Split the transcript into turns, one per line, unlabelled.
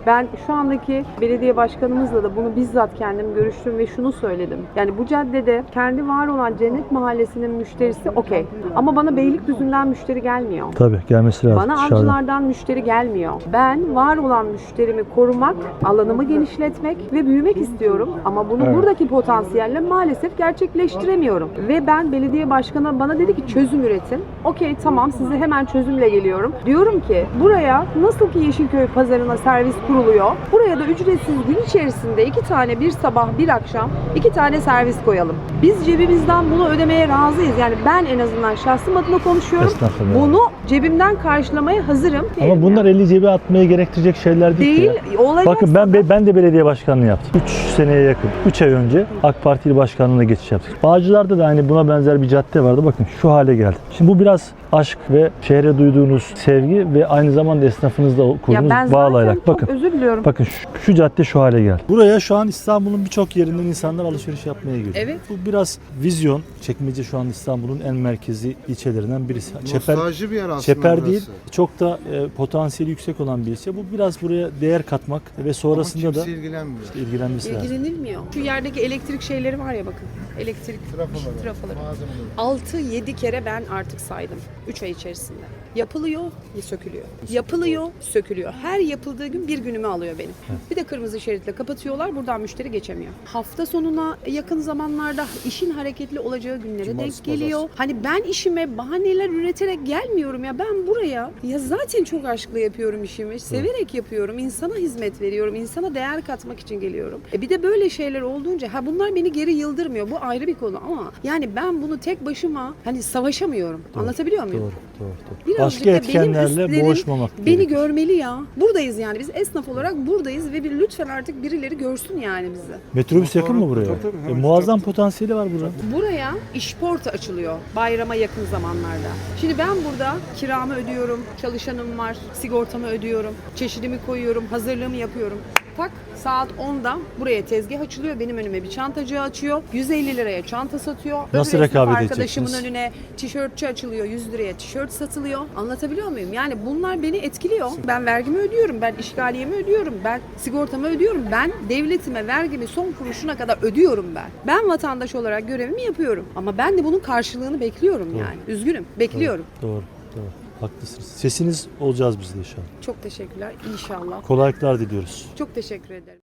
Ben şu andaki belediye başkanımızla da bunu bizzat kendim görüştüm ve şunu söyledim. Yani bu caddede kendi var olan Cennet Mahallesi'nin müşterisi okey. Ama bana Beylikdüzü'nden müşteri gelmiyor.
Tabii gelmesi lazım.
Bana
dışarıdan.
Avcılar'dan müşteri gelmiyor. Ben var olan müşterimi korumak, alanımı genişletmek ve büyümek istiyorum. Ama bunu buradaki potansiyelle maalesef gerçekleştiremiyorum. Ve ben belediye başkanı bana dedi ki çözüm üretin. Okey tamam size hemen çözümle geliyorum. Diyorum ki buraya nasıl ki Yeşilköy pazarına servis kuruluyor. Buraya da ücretsiz gün içerisinde 2 tane bir sabah bir akşam 2 tane servis koyalım. Biz cebimizden bunu ödemeye razıyız. Yani ben en azından şahsım adına konuşuyorum.
Esnafım yani.
Bunu cebimden karşılamaya hazırım.
Ama bunlar eli cebe atmaya gerektirecek şeyler değil. ki ya.
Olay
Bakın
olsa da-
ben de belediye başkanlığı yaptım. 3 seneye yakın. 3 ay önce AK Parti başkanlığına geçiş yaptık. Bağcılar'da da hani buna benzer bir cadde vardı. Bakın şu hale geldi. Şimdi bu biraz aşk ve şehre duyduğunuz sevgi ve aynı zamanda esnafınızla
ya
kurduğunuz
ben
bağlayarak.
zaten çok
Bakın.
özür diliyorum.
Bakın şu cadde şu hale geldi. Buraya şu an İstanbul'un birçok yerinden insanlar alışveriş yapmaya geliyor.
Evet.
Bu biraz vizyon. Çekmece şu an İstanbul'un en merkezi ilçelerinden birisi.
Nostalji bir yer aslında.
Çeper
burası.
değil, çok da potansiyeli yüksek olan bir ilçe. Bu biraz buraya değer katmak ve sonrasında
Ama
da
kimse ilgilenmiyor.
ilgilenmesi lazım.
İlgilenilmiyor. Şu yerdeki elektrik şeyleri var ya bakın. Elektrik trafoları. 6-7 kere ben artık saydım 3 ay içerisinde. Yapılıyor, sökülüyor. Yapılıyor, sökülüyor. Her yapıldığı gün bir günümü alıyor benim. Bir de kırmızı şeritle kapatıyorlar. Buradan müşteri geçemiyor. Hafta sonuna yakın zamanlarda işin hareketli olacağı günlere denk geliyor. Hani ben işime bahaneler üreterek gelmiyorum ya. Ben buraya ya zaten çok aşkla yapıyorum işimi. Severek yapıyorum. İnsana hizmet veriyorum. İnsana değer katmak için geliyorum. Bir de böyle şeyler olduğunca bunlar beni geri yıldırmıyor. Bu ayrı bir konu ama yani ben bunu tek başıma hani savaşamıyorum. Anlatabiliyor muyum?
Doğru.
Birazcık
Başka
da
etkenlerle
benim üstlerim
boğuşmamak
beni
gerekiyor.
görmeli ya. Buradayız yani. Biz esnaf olarak buradayız ve lütfen artık birileri görsün yani bizi.
Metrobüs yakın mı buraya?
Tabii, hemen
Muazzam potansiyeli var buranın.
Buraya işporta açılıyor bayrama yakın zamanlarda. Şimdi ben burada kiramı ödüyorum, çalışanım var, sigortamı ödüyorum, çeşidimi koyuyorum, hazırlığımı yapıyorum. Tak saat 10'da buraya tezgah açılıyor. Benim önüme bir çantacı açıyor. 150 liraya çanta satıyor.
Nasıl
Öbür esnaf
rekabet
arkadaşımın
edeceksiniz?
önüne tişörtçü açılıyor. 100 liraya tişört satılıyor. Anlatabiliyor muyum? Yani bunlar beni etkiliyor. Ben vergimi ödüyorum. Ben işgaliyemi ödüyorum. Ben sigortamı ödüyorum. Ben devletime vergimi son kuruşuna kadar ödüyorum ben. Ben vatandaş olarak görevimi yapıyorum. Ama ben de bunun karşılığını bekliyorum yani. Üzgünüm. Bekliyorum.
Doğru. Haklısınız. Sesiniz olacağız biz de inşallah.
Çok teşekkürler. İnşallah.
Kolaylıklar diliyoruz.
Çok teşekkür ederim.